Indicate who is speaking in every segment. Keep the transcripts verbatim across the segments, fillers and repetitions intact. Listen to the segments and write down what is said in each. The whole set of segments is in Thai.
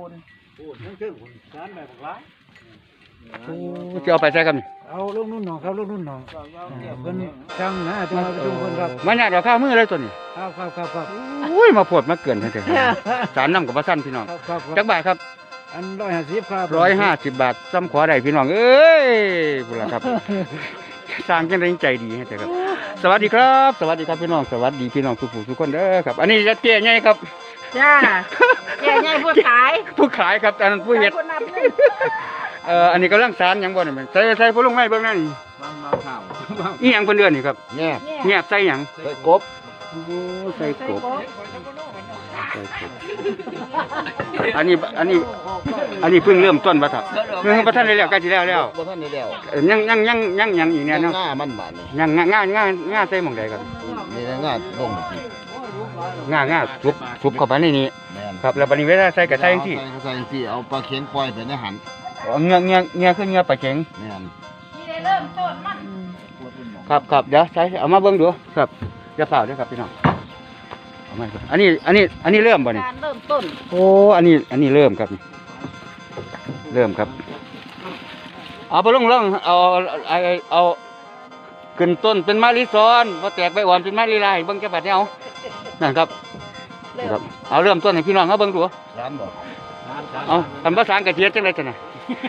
Speaker 1: น
Speaker 2: พูดนั่นคือคุณสารแบบร้าย
Speaker 3: จะเอาไปใช้กัน
Speaker 2: เอาลูกนุ่นหนองครับลูกนุ่นหนองเพิ่นช่างนะจะมาประชุมเพิ่นครับ
Speaker 3: มันอยากเอาข้าวมือเลยตัวนี้
Speaker 2: ครับครับครับครับ
Speaker 3: อุ้ยมาปวดมาเกินเถอะสารน้ำกับพระสั้นพี่น้อง
Speaker 2: ครับครับ
Speaker 3: จักบาทครับ
Speaker 2: อันร้อยห้าสิบครับ
Speaker 3: ร้อยห้าสิบบาทซ้ำขอได้พี่น้องเอ้ยบุญละครับสร้างกันได้ใจดีให้เถอะครับ สวัสดีครับ สวัสดีครับพี่น้องสวัสดีพี่น้องทุกผู้ทุกคนเด้อครับ อันนี้จะเตี้ยใหญ่ครับ
Speaker 1: จ้าใหญ่ใหญ่ผู้ขาย
Speaker 3: ผู้ขายครับอันนั้นผู้เฮ็ด
Speaker 1: คนนับนึง
Speaker 3: เอ่ออันนี้กำลังสารหยังบ่นี่ใส่ใส่พวกลงไม้เบิ่งนั่น
Speaker 2: บางมาข่าว
Speaker 3: อีหยังเพิ่นเดือนนี่ครับ
Speaker 2: แง่
Speaker 3: เงียบใส่หยัง
Speaker 2: ใส่กบ
Speaker 3: โอ้ใส่กบใส่กบอันนี้อันนี้อันนี้เพิ่งเริ่มต้นบ่ครับเพิ่งบ่ทันได้แล้วใกล้สิแล้วแล้ว
Speaker 2: บ่ทันได้แล้ว
Speaker 3: เอ่อยังยังยังยังยังอีกเนี่ยเนาะ
Speaker 2: ง่ามันบาดนี่
Speaker 3: ยังง่าง่าง่าง่าใส่หม่องใดครับ
Speaker 2: นี่ง่าลงนี่
Speaker 3: ง่าง่าทุบทุบเข้าไปในนี้
Speaker 2: แม่น
Speaker 3: ครับแล้วบัดนี้เวลาใส่ก็ใส่จังซี่
Speaker 2: ใส่ใส่จังซี่เอาปลาเข็งปล่อยไปในหัน
Speaker 3: อ๋อเงือกเงือกเงือกคือเงือกปลาเข็ง
Speaker 2: แม่น
Speaker 1: นี่เริ่มต้นมัน
Speaker 3: ครับครับเดี๋ยวใช้เอามาเบิ่งดูครับจะเปล่าเด้วยครับพี่น้องเอามาอันนี้อันนี้อันนี้เริ่มบ่นี่
Speaker 1: การเริ่มต้น
Speaker 3: โอ้อันนี้อันนี้เริ่มครับเริ่มครับเอาไปลงลงเอาเอาเอาขึ้นต้นเป็นมะลิซ้อนพอแตกใบอ่อนเป็นมะลิลายเบิ่งจะบัดนี้เอานั่นครับ
Speaker 1: เริ่
Speaker 3: ครั
Speaker 1: ม
Speaker 3: บเอาเริ่มต้นให้พี่น้องเขาเบิ่งดู
Speaker 2: ร้านบ่
Speaker 3: เอาทำภาษากระเทียมจังไรจังนะ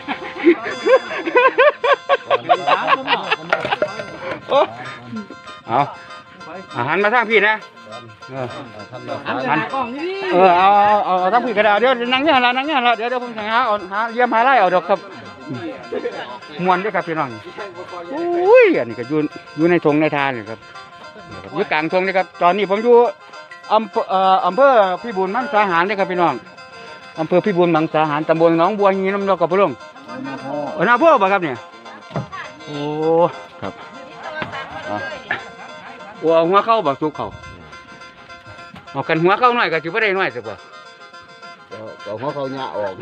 Speaker 3: โอ้เอาอาหารมาทางพี่นะเออ
Speaker 2: ท่านมา
Speaker 1: อัน
Speaker 2: ขาย
Speaker 1: นี้กล่องนี่
Speaker 3: เออเอาเอาเอาเอาทางพี่กระดาษเดี๋ยวนั่งเนี่ยละนั่งเนี่ยละเดี๋ยวเดี๋ยวผมจะหาเอาหาเยี่ยมหาไล่เอาดอกครับมวนด้วยครับพี่น้องอุ้ยอันนี้ก็อยู่อยู่ในทงในทานเลยครับอยู่กลางทงเลยครับตอนนี้ผมอยู่อำเภอเอ่ออำเภอพิบูลมังสาหารเลยครับพี่น้องอำเภอพิบูลมังสาหารตำบลหนองบัวหีน้ำนกกับพะลุงเออนาพ่อป่ะครับเนี่ยโอ้ครับอ่ะโอ้เอาหัวเข้าบักสุกเขาเอากันหัวเข้าหน่อยก็จะไม่ได้หน่อยสิบ่
Speaker 2: เอาหัวเขาหญ้าออก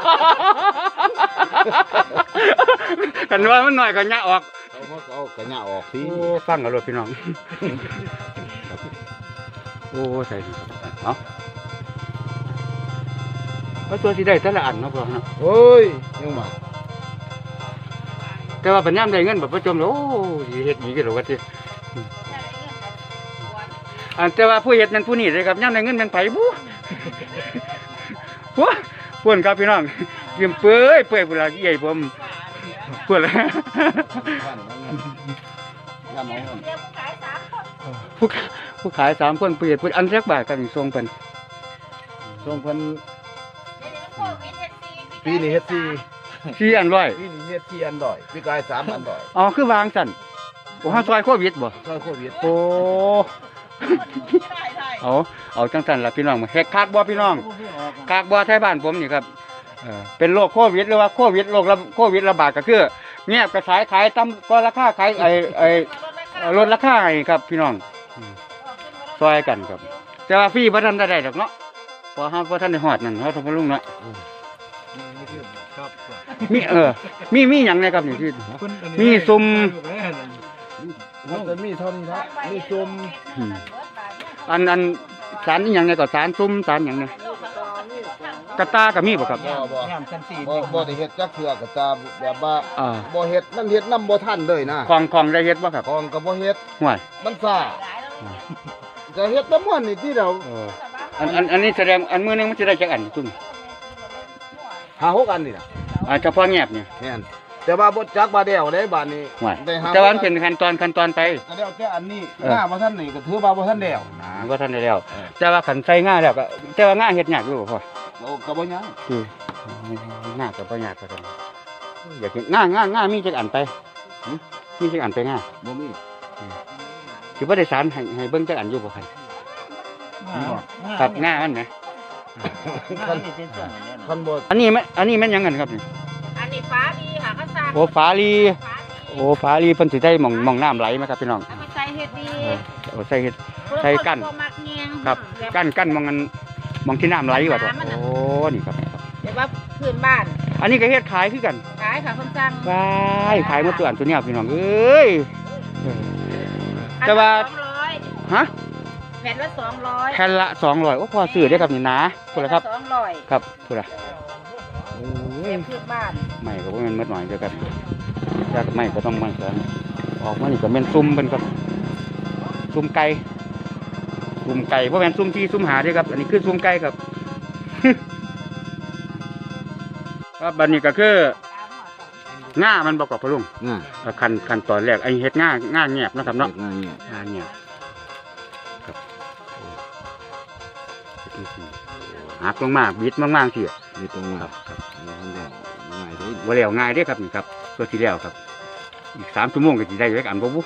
Speaker 3: กันว่ามันหน่อยก็ยะออก
Speaker 2: เอาหัวเขากระหญ้าออกที
Speaker 3: โอ้ฟังกันเลยพี่น้องโอ้ใส่ดีครับเอาว่าตัวที่ได้แต่ละอันเนาะพ่อเนาะ
Speaker 2: โอ้ยยังมา
Speaker 3: แต่ว่าปัญญามได้เงินแบบประจมแล้วโอ้ยเฮ็ดหนีกันหรอวะที่อันแต่ว่าผู้เฮ็ดนั้นผู้นี้เลยครับย่ามได้เงินแมันไผบู๊ผู้พวนครับพี่น้องยืมเปื่อยเปื่อยเวลาใหญ่ผมพวนละ
Speaker 2: งานน้อง
Speaker 1: เดี๋ยวผู้ขายสามคน
Speaker 3: ผู้ผู้ขายสามคนเปลี่ยนเป็นอันแรกบาทกันส่งเป็น
Speaker 2: ส่งเพิ่น
Speaker 1: เดี๋ยวนี้มันโควิดเฮ็ดซี
Speaker 2: ปีนี้เฮ็ดสี่
Speaker 3: สี่อันร้อย
Speaker 2: ปีนี้เฮ็ดสี่อันดอยปีกายสามอันดอย
Speaker 3: อ๋อคือวางสั่นโอ้ห้าซอยโควิดบ่
Speaker 2: ซอยโควิด
Speaker 3: โอ้เอาเอาจังสั่นละพี่น้องเฮ็ดคากบ่พี่น้องคากบ่ไทยบ้านผมนี่ครับเออเป็นโรคโควิดหรือว่าโควิดโรคระโควิดระบาดก็คือเงียบกระสายขายต่ำก็ราคาขายไอ้ไอ้ลดราคาให้ครับพี่น้องซอยกันครับแต่ว่าฟรีบ่ทันได้ดอกเนาะเพอเฮาบ่ทันได้ฮอดนั่นเฮาต้องมาลุงเนาะ
Speaker 2: ครับ
Speaker 3: มีเออ มีมีหยังไงครับนี่ที่ มีซุ่ม
Speaker 2: มันจะมีเท่านี้ครับมีจุ่ม
Speaker 3: อืมอันอันสารนี่หยังไงก็สารซุ่มสารหยังไงกระตาก็มีบ่ครับ
Speaker 2: บ่บ่
Speaker 1: ยามชั้นสี่
Speaker 2: บ่บ่ได้เฮ็ดจักเทื่อก็ตาแบบว่า
Speaker 3: อ่า
Speaker 2: บ่เฮ็ดมันเฮ็ดนำบ่ทันเลยนะ
Speaker 3: ของของได้เฮ็ดบ่ครับ
Speaker 2: ของก็บ่เฮ็ด
Speaker 3: ห่วย
Speaker 2: มันซ่าก็เฮ็ดแต่ม่วนนี่ที่เรา
Speaker 3: เอออันอันอันนี้แสดงอันมือหนึงมันสิได้จักอันซุ่ม
Speaker 2: หาหกอันนี่น่ะ
Speaker 3: อ่าเฉพาะแงบนี่
Speaker 2: แม่นแต่ว่าบ่จักบาดเดียวเด้บาดนี้
Speaker 3: ห่วย
Speaker 2: ได้หา
Speaker 3: แต่ว่ามันเป็นขั้นตอนขั้นตอนไป
Speaker 2: ก็แล้วแต่อันนี้
Speaker 3: เออ
Speaker 2: หน้าบ่ทันนี่ก็ถือว่าบ่ทันแล้วนะ
Speaker 3: บ่ทันได้แล้ว
Speaker 2: เออ
Speaker 3: แต่ว่าขันใส่ง่าแล้วก็แต่ว่าง่าเฮ็ดยากอยู่บ่พ่อ
Speaker 2: โอ้ก็บ่ยัง
Speaker 3: ที่ง่าก็บ่ยากก็ซั่นอยากเห็นง่าง่าง่ามีจักอันไปหึมีจักอันไปง่า
Speaker 2: บ่มี
Speaker 3: สิบ่ได้สารให้ให้เบิ่งจักอันอยู่บ่คั่น ครับง่ามันนะ
Speaker 2: คันคันบ่
Speaker 3: อันนี้แม่อันนี้แม่นหยังกันครับนี่
Speaker 1: อันนี้ฟ้าดีค่ะเขาสร้าง
Speaker 3: โอ้ฝาลี
Speaker 1: ฟ้าดี
Speaker 3: โอ้ฝาลีเพิ่นสิได้หม่องหม่องน้ำไหลไหมครับพี่น้อง
Speaker 1: เอาไปใส่เฮ็ดดี
Speaker 3: เออโอ้ใส่เฮ็ด ใส่กั้น
Speaker 1: บ่มักแยง
Speaker 3: ครับ
Speaker 1: แบบ
Speaker 3: กั้นกั้นหม่องกันหม่องที่น้ำไหลว่าตัว
Speaker 1: น้ำมันน่ะ
Speaker 3: โอ้นี่ครับครับ
Speaker 1: เดี๋ยวว่าพื้นบ้าน
Speaker 3: อันนี้ก็เฮ็ดขายคือกัน
Speaker 1: ขายค่ะคนสร้าง
Speaker 3: ว้ายขายหมดตัวอันตัวเนี้ยพี่น้องเอ้ยเออ แต่ว่า
Speaker 1: สองร้อย
Speaker 3: ฮะ
Speaker 1: แผ่นละสองร้อย
Speaker 3: แผ่นละสองร้อยโอ้พอซื้อได้อครับนี่นะพูดแล้วครับ
Speaker 1: สองร้อย
Speaker 3: ครับพูดละโอ้
Speaker 1: แผ่
Speaker 3: ย
Speaker 1: นพื้นบ้าน
Speaker 3: ไม่ก็บ่แม่นมดหน่อยเด้อครับอยากไม่ก็ต้องไม่กันออกมานี่ก็แม่นซุ่มเพิ่นครับซุ่มไก่ซุ่มไก่บ่แม่นซุ่มที่ซุ่มหาเด้อครับอันนี้คือซุ่มไก่ครับ ครับบัดนี้ก็คือง่ามันบ่กว่าพะลุง
Speaker 4: ง่าย
Speaker 3: เอ่อขั้นขั้นตอนแรกไอ้เฮ็ดง่าง่าแงบนะครับเนาะ
Speaker 4: ง่ายเนี่ย
Speaker 3: ง่าแงบครับเฮ็ดจังซี่หักลงมาบิดมากๆสิ
Speaker 4: มีตรงมา
Speaker 3: ครับครับ
Speaker 4: เราทำได้ง่ายเลย
Speaker 3: บ่แล้วง่ายเด้อครับนี่ครับตัวที่แล้วครับอีกสามชั่วโมงก็สิได้จักอันบ่บุ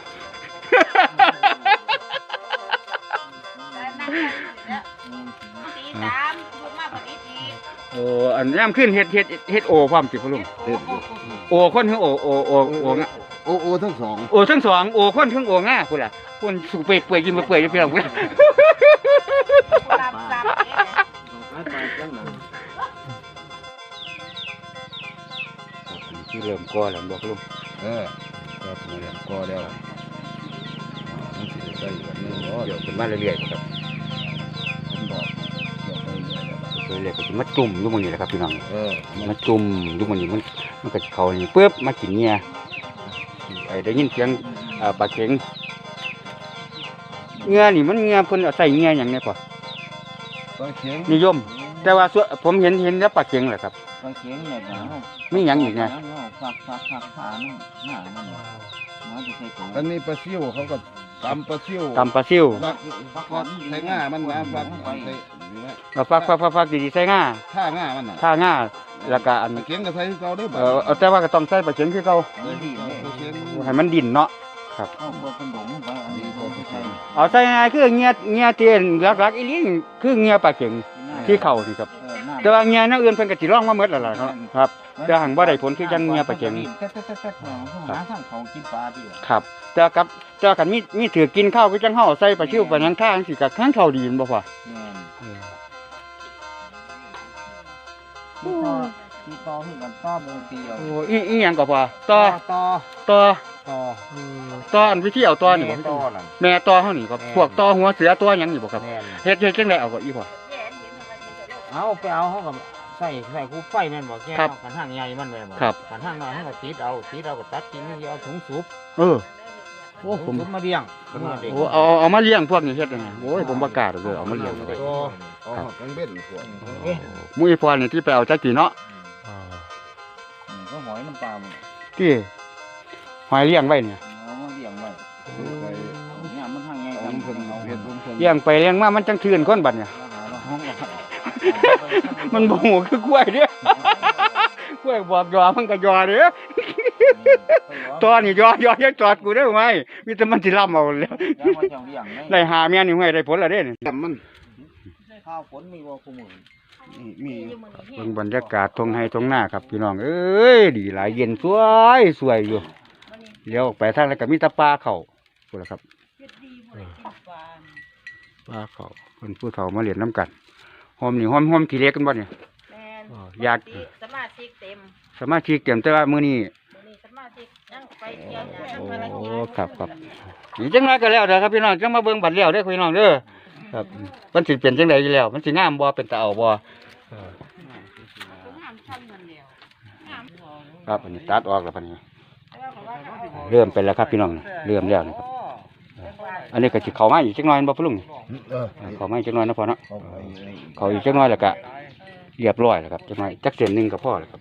Speaker 1: ตีสามลูกมาพอดีที
Speaker 3: โอ้อันย่ำขึ้นเฮ็ดเฮ็ดเฮ็ดโอพร้อมสิพะลุง
Speaker 4: เด็ดอยู่
Speaker 3: โอคนถึงโอโอโอโองะ
Speaker 4: โอโอทั้งสอง
Speaker 3: โอทั้งสองโอคนถึงโอง่าพุ่นล่ะพุ่นสุเปื่อยเปื่อยกินมาเปื่อยอยู่เพียงพุ่นล่ะ
Speaker 1: ตามตามเนี่ย
Speaker 3: ที่เริ่มก่อแล้วบอกลุง
Speaker 4: เออก็ถึงเรียนก็แล้วมันสิได้แบบนึงเนาะ
Speaker 3: เดี๋ยวขึ้นมาเรื่อยๆครับ
Speaker 4: ผมบอกเดี๋ยวไปเรื่อย
Speaker 3: เรื่อยๆก็สิมาจุ่มอยู่หมื้นี้แหละครับพี่น้อง
Speaker 4: ๆเออมัน
Speaker 3: มาจุ่มอยู่หมื้นี้มันมันก็สิเข้านี่ปึ๊บมากินเงียไอ้ได้ยินเสียงเอ่อปลาเข็งเงียนี่มันเงียเพิ่นเอาใส่เงียหยังเนี่ยพ่อ
Speaker 4: ปลาเข็ง
Speaker 3: นิยม แต่ว่าส่วนผมเห็นเห็นแต่ปลาเข็งแหละครับ
Speaker 5: ปลาเข็งเนี่ยนะ
Speaker 3: มีหยังอีกไง
Speaker 5: ฟักฟักฟักขาหน้ามันมันจะใส่ถุง
Speaker 4: อันนี้ปลาซิ่วเขาก็ตำปลาซิ่ว
Speaker 3: ตำปลาซิ่ว
Speaker 4: ฟักฟักใส่ง่ามันนะฟักใส่นี่แหละ
Speaker 3: เอาฟักฟักฟักฟักดีๆใส่ง่า
Speaker 4: ท่าง่ามันน่ะ
Speaker 3: ท่าง่าแล้วก็อัน
Speaker 4: ปลาเข็งก็ใส่คือเก่าเด้อ
Speaker 3: เออเอาแต่ว่าก็ต้องใส่ปลาเข็งคือเก่า
Speaker 5: เออดีเลย
Speaker 4: ปลาเข็ง
Speaker 3: ให้มันดิ่นเนาะ
Speaker 5: เอาเบอร์เป็นดงไปอันนี้ก็ใส่
Speaker 3: เอาใส่ง่ายคือเงียเงียเตียนหลักๆอีหลีคือเงียปลาเข็งที่เข่านี่ครับ
Speaker 5: เออหน้า
Speaker 3: แต่ว่าเงียแนวอื่นเพิ่นก็สิร้องมาหมดแล้วล่ะครับครับแต่หังบ่ได้ผลคือจังเงียปลาเข็ง
Speaker 5: แต๊ะแต๊ะแต๊ะแต๊ะหาทางเขากินปลาดี
Speaker 3: ครับแต่กับแต่คันมีมีถือกินข้าวคือจังเฮาใส่ปลาชิวปลาหยังท่าจังซี่ก็ข้างเข้าดีแม่นบ่พ่อ
Speaker 5: แม่นที่ต่อที่ต่อคือกันต่อโมงเดียว
Speaker 3: โอ้อีอีหยังก็พ่อต่อ
Speaker 5: ต่อ
Speaker 3: ต่อ
Speaker 5: ต่อ
Speaker 3: ต่ออันวิธีเอาต่อนี่บ่
Speaker 5: ต่อนั่น
Speaker 3: แม่ต่อเฮานี่ครับพวกต่อหัวเสือต่อหยังนี่บ่ครับ
Speaker 5: แม่น
Speaker 3: เฮ็ดเฮ็ดจังได๋เอาก็อีพ่อ
Speaker 5: เอาไปเอาเขากับใส่ใส่คู่ไฟแม่นบ่แก
Speaker 3: ครับ
Speaker 5: กันทางใหญ่มันแม่นบ่
Speaker 3: ครับ
Speaker 5: กันทางน้อยเขาก็ติดเอาติดเอาก็ตัดทิ้งนี่เอาถุงสูบ
Speaker 3: เออโอ้ผม
Speaker 5: ถุงมาเลี้ยงถุงมาเด็ก
Speaker 3: โอ้เอาเอามาเลี้ยงพวกนี้เฮ็ดจังไงโอ้ยผมบ่กล้าดอกเด้อเอามาเลี้ยงเลย
Speaker 4: โอ้อ๋อกังเบ็ดพวก
Speaker 5: เอ๊ะ
Speaker 3: หมู่อีพ่อนี่ที่ไปเอาจักกี่เนาะ
Speaker 5: นี่ก็หอยน้ำปลาหมด
Speaker 3: ที่หอยเลี้ยงไว้เนี่ย
Speaker 5: เอามาเลี้ยงไว้
Speaker 4: ไป
Speaker 5: เนี่ยมันทางไง
Speaker 4: เอา
Speaker 5: กัน
Speaker 4: เพิ่นเอาเฮ็ดเพิ่นเพิ่น
Speaker 3: เลี้ยงไปเลี้ยงมามันจังทื่นคนบัดเนี่ย
Speaker 5: หาเราห้องเรา
Speaker 3: มันบ่ฮู้คือกล้วยเด้ อกล้วยบอกยอมันก็ยอเด้อตอนนี้ยอยอยังจอดกูได้ไหมมีแต่มันสิล่ำเอาแล้ว
Speaker 5: แล้วมาจังเลี้ยง
Speaker 3: ได้หาแม่นี่ห้วยได้ผลแล้วเด้นี่
Speaker 4: แต่มัน
Speaker 5: ข้าวฝนมีบ่คู่มือ
Speaker 4: มี
Speaker 3: เบิ่งบรรยากาศทงไห้ทงหน้าครับพี่น้องเอ้ยดีหลายเย็นสวยสวยอยู่เลี้ยวออกไปทางแล้วก็มีแตะปลาเข้าพุ่นล่ะครับปลาเข้าเพิ่นผู้เฒ่ามาเล่นน้ำกันหอมนี่หอมหอมขี้เล็กกันบ่เนี่ย
Speaker 1: แม่น
Speaker 3: อ๋ออยาก
Speaker 1: สมาชิกเต็ม
Speaker 3: สมาชิกเต็มแต่ว่ามื้อนี้
Speaker 1: มื้อนี้สมาชิกยังไปเที่ยวยังภาร
Speaker 3: โอ้
Speaker 1: กิจ
Speaker 3: ครับครับนี่จังไรก็แล้วเด้อครับพี่น้องจังมาเบิ่งบัตรแล้วเด้อพี่น้องเด้อครับมันสิเป็นจังไดอยู่แล้วมันสิงามบ่เป็นตาเอาบ่ครับอันนี้ตัดออกแล้วพันนี้เริ่มเป็นแล้วครับพี่น้องเริ่มแล้วนะครับอันนี้ก็สิเข้ามาอีกจักหน่อยบ่พ่อลุง
Speaker 4: เออ
Speaker 3: เข้ามาอีกจักหน่อยนะพ่อเนาะ
Speaker 4: เอาไป
Speaker 3: เข้าอีกจักหน่อยแล้วก็เรียบร้อยแล้วครับจักหน่อยจักเส้นหนึงก็พอแล้วครับ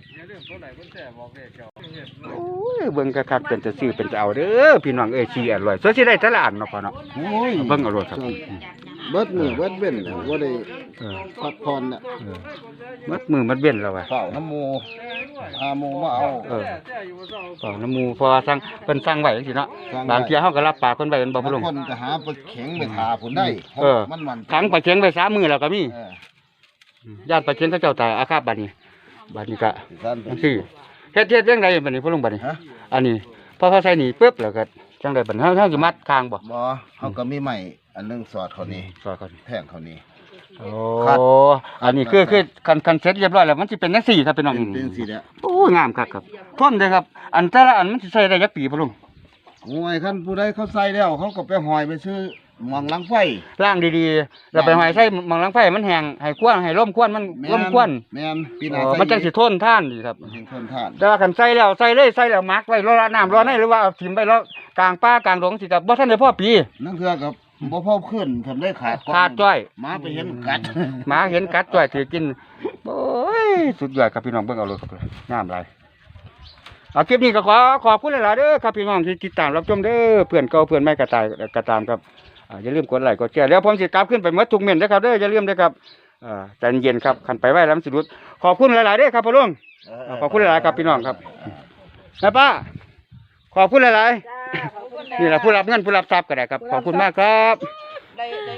Speaker 3: โอ้ยเบิ่งคักๆเป็นจะซื้อเป็นจะเอาเด้อพี่น้องเอ้ยสิอร่อยสวยสิได้แต่ละอันเนาะพ่อเนาะ
Speaker 4: โอ้ย
Speaker 3: เบิ่งเอาโลดครับ
Speaker 4: เบิดมือเบิดเว้นบ่ได้
Speaker 3: เออ
Speaker 4: พักผ่อนน่ะ
Speaker 3: เออมัดมือมัดเว้นแล้วว่ะ
Speaker 4: ข้าวน้ำหมูอาหมูมาเอา
Speaker 3: เออก็น้ำหมูพอสั่งเพิ่นสั่งไว้จังซี่เนาะ
Speaker 4: สั่งไว้
Speaker 3: บางเที่ยเฮาก็รับปากเพิ่นไว้เป็นบ่
Speaker 4: บาง
Speaker 3: พะลุง
Speaker 4: คนก็หาปลาเข็งไปทาผุนได้
Speaker 3: เออ
Speaker 4: มันมัน
Speaker 3: ขังปลาเค็งไว้สามมื้อแล้วก็มี
Speaker 4: เออ
Speaker 3: ญาติปลาเค็งเขาเจ้าตายอาฆาตบัดนี้บัดนี้ก็
Speaker 4: ซั่น
Speaker 3: จังซี่เฮ็ดเฮ็ดจังไดบัดนี้พะลุงบัดนี้
Speaker 4: ฮะ
Speaker 3: อันนี้พอเขาใส่นี่ปึ๊บแล้วก็จังไดบัดนี้เฮาเฮาสิมัดคางบ่
Speaker 4: บ่เฮาก็มีไม้อันหนึงสอดเขานี่
Speaker 3: ซอยก่อน
Speaker 4: แทงเขานี่
Speaker 3: โอ้
Speaker 4: คัด
Speaker 3: อันนี้คือคือคันคันเสร็จเรียบร้อยแล้วมันสิเป็นจังซี่ครับพี่น้อง
Speaker 4: เป็นเป็นสิเนี่ย
Speaker 3: โอ้งามคักครับทนเด้อครับ อันแต่ละอันมันสิใช้ได้จักปีพะลุง
Speaker 4: โอ้ยคันผู้ใดเขาใส่แล้วเขาก็ไปหอยไปซื้อมองหลังไฟ
Speaker 3: ล่างดีๆแล้วไปหอยใส่หมองหลังไฟมันแห้งให้ควนให้ร่มควนมัน
Speaker 4: แม่
Speaker 3: ร่มควน
Speaker 4: แม่นปีห
Speaker 3: เอ
Speaker 4: น้า
Speaker 3: อ
Speaker 4: ใส่
Speaker 3: มันจังสิทนท่านดีครับ
Speaker 4: ถึงทนทาน
Speaker 3: แต่ว่าคันใส่แล้วใส่เลยใส่แล้วมักไว้รอน้ำรอในหรือว่าเอาถิ่มไว้แล้วกลางป่ากลางดงสิครับบ่ทันได้พอปี
Speaker 4: นั่นคือกับบ่พอขึ้นทำได้ขาดก่อน
Speaker 3: ขาดจ้อย
Speaker 4: หมาไปเห็นกัด
Speaker 3: หมาเห็นกัดจ้อยถือกินโอ้ยสุดยอดครับพี่น้องเบิ่งเอาเลยครับงามหลายเอาคลิปนี้ก็ขอขอบคุณหลายๆเด้อครับพี่น้องที่ติดตามรับชมเด้อเพื่อนเก่าเพื่อนใหม่ก็ตายก็ตามครับอ่าอย่าลืมกดไลค์กดแชร์แล้วผมสิกลับขึ้นไปหมดทุกเม็ดนะครับเด้ออย่าลืมเด้อครับอ่าใจเย็นครับคันไปไว้แล้วมันสิรุดขอบคุณหลายๆเด้อครับพ่อลุง ขอบคุณหลายๆครับพี่น้องครับนะป้าขอบคุณหลาย
Speaker 1: จ้าขอบคุณ
Speaker 3: ๆนี่แหละผู้รับเงินผู้รับทรัพย์ก็ได้ครับขอบคุณมากครับ
Speaker 1: ได้ได้